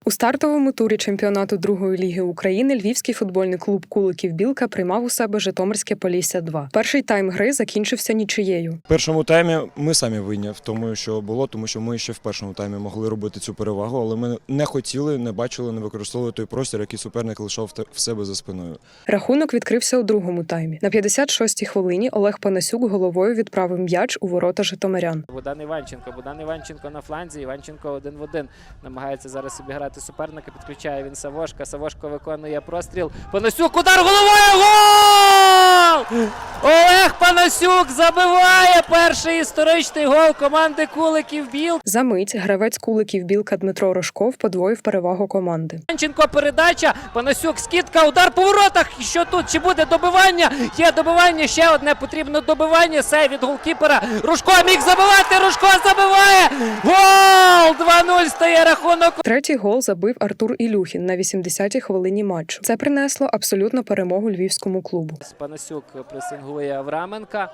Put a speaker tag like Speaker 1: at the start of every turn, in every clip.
Speaker 1: У стартовому турі чемпіонату другої ліги України львівський футбольний клуб «Куликів Білка» приймав у себе Житомирське Полісся-2. Перший тайм гри закінчився нічиєю.
Speaker 2: В першому таймі ми самі винні в тому, що було, тому що ми ще в першому таймі могли робити цю перевагу, але ми не хотіли, не бачили, не використовували той простір, який суперник лишав в себе за спиною.
Speaker 1: Рахунок відкрився у другому таймі. На 56-й хвилині Олег Панасюк головою відправив м'яч у ворота житомирян.
Speaker 3: Богдан Іванченко на фланзі, Іванченко 1 в 1. Намагається зараз обіграти суперника, підключає він Савошка. Савошко виконує простріл. Панасюк, удар головою, гол! Олег Панасюк забиває перший історичний гол команди «Куликів Білка».
Speaker 1: За мить гравець «Куликів Білка» Дмитро Рожков подвоїв перевагу команди.
Speaker 3: Іванченко передача, Панасюк скидка, удар по воротах. І що тут? Чи буде добивання? Є добивання, ще одне потрібно добивання. Сейв від голкіпера. Рожко міг забивати, Рожко забиває! Гол! 2-0 стає рахунок.
Speaker 1: Третій гол забив Артур Ілюхін на 80-й хвилині матчу. Це принесло абсолютну перемогу львівському клубу.
Speaker 3: Панасюк пресингує Авраменка.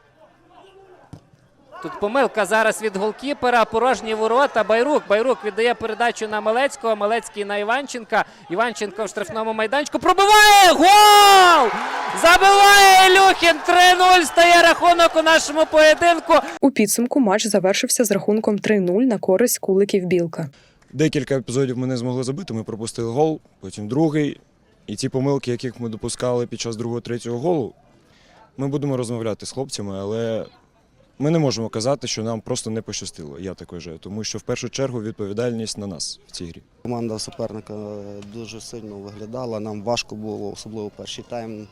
Speaker 3: Тут помилка зараз від голкіпера, порожні ворота. Байрук віддає передачу на Малецького, Малецький на Іванченка. Іванченко в штрафному майданчику пробиває! Гол! Забиває Ілюхін! 3-0 стає рахунок у нашому поєдинку.
Speaker 1: У підсумку матч завершився з рахунком 3-0 на користь «Куликів Білка».
Speaker 2: Декілька епізодів ми не змогли забити, ми пропустили гол, потім другий. І ті помилки, яких ми допускали під час другого-третього голу, ми будемо розмовляти з хлопцями, але ми не можемо казати, що нам просто не пощастило, я так вважаю, тому що в першу чергу відповідальність на нас в цій грі.
Speaker 4: Команда суперника дуже сильно виглядала, нам важко було, особливо перший тайм.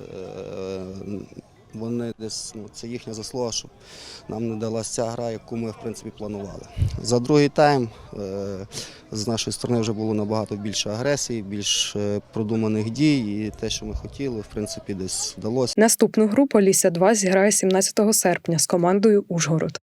Speaker 4: Вони десь, це їхня заслуга, щоб нам не далася ця гра, яку ми в принципі планували. За другий тайм з нашої сторони вже було набагато більше агресії, більш продуманих дій, і те, що ми хотіли, в принципі, десь вдалося.
Speaker 1: Наступну гру «Полісся-2» зіграє 17 серпня з командою «Ужгород».